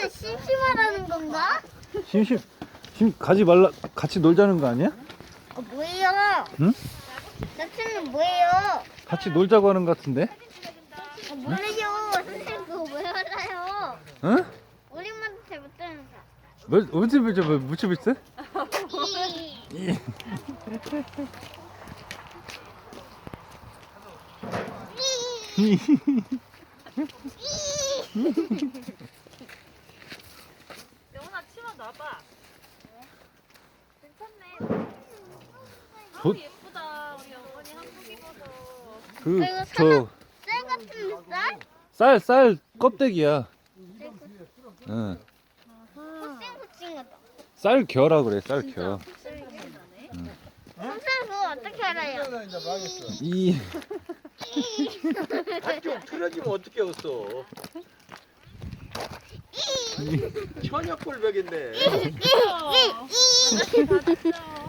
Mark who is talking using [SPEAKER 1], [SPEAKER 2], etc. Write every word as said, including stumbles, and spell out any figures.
[SPEAKER 1] 선생님은 심심하다는 건가?
[SPEAKER 2] 심심 심 가지 말라 같이 놀자는 거 아니야?
[SPEAKER 1] 어, 뭐예요?
[SPEAKER 2] 응?
[SPEAKER 1] 선생님 뭐예요?
[SPEAKER 2] 같이 놀자고 하는 것 같은데?
[SPEAKER 1] 어, 몰라요. 선생님 그거 왜 알아요?
[SPEAKER 2] 응?
[SPEAKER 1] 우리만 잘 못하면서.
[SPEAKER 2] 뭐 어디 보자 뭐 묻히고 있어?
[SPEAKER 3] 영훈아 치마 놔봐. 괜찮네.
[SPEAKER 2] 도-
[SPEAKER 3] 아우 예쁘다. 우리 영훈이 한복 입어서.
[SPEAKER 2] 그저
[SPEAKER 1] 쌀 같은 쌀?
[SPEAKER 2] 쌀 쌀 껍데기야. 응.
[SPEAKER 1] 푸싱푸싱하다.
[SPEAKER 2] 쌀 겨라 그래 쌀 겨.
[SPEAKER 1] 선생님 그거 어떻게 알아요?
[SPEAKER 2] 이
[SPEAKER 4] 좀 틀어지면 어떻게 없어? 천엽골벽인데.
[SPEAKER 3] 아저씨 받았어.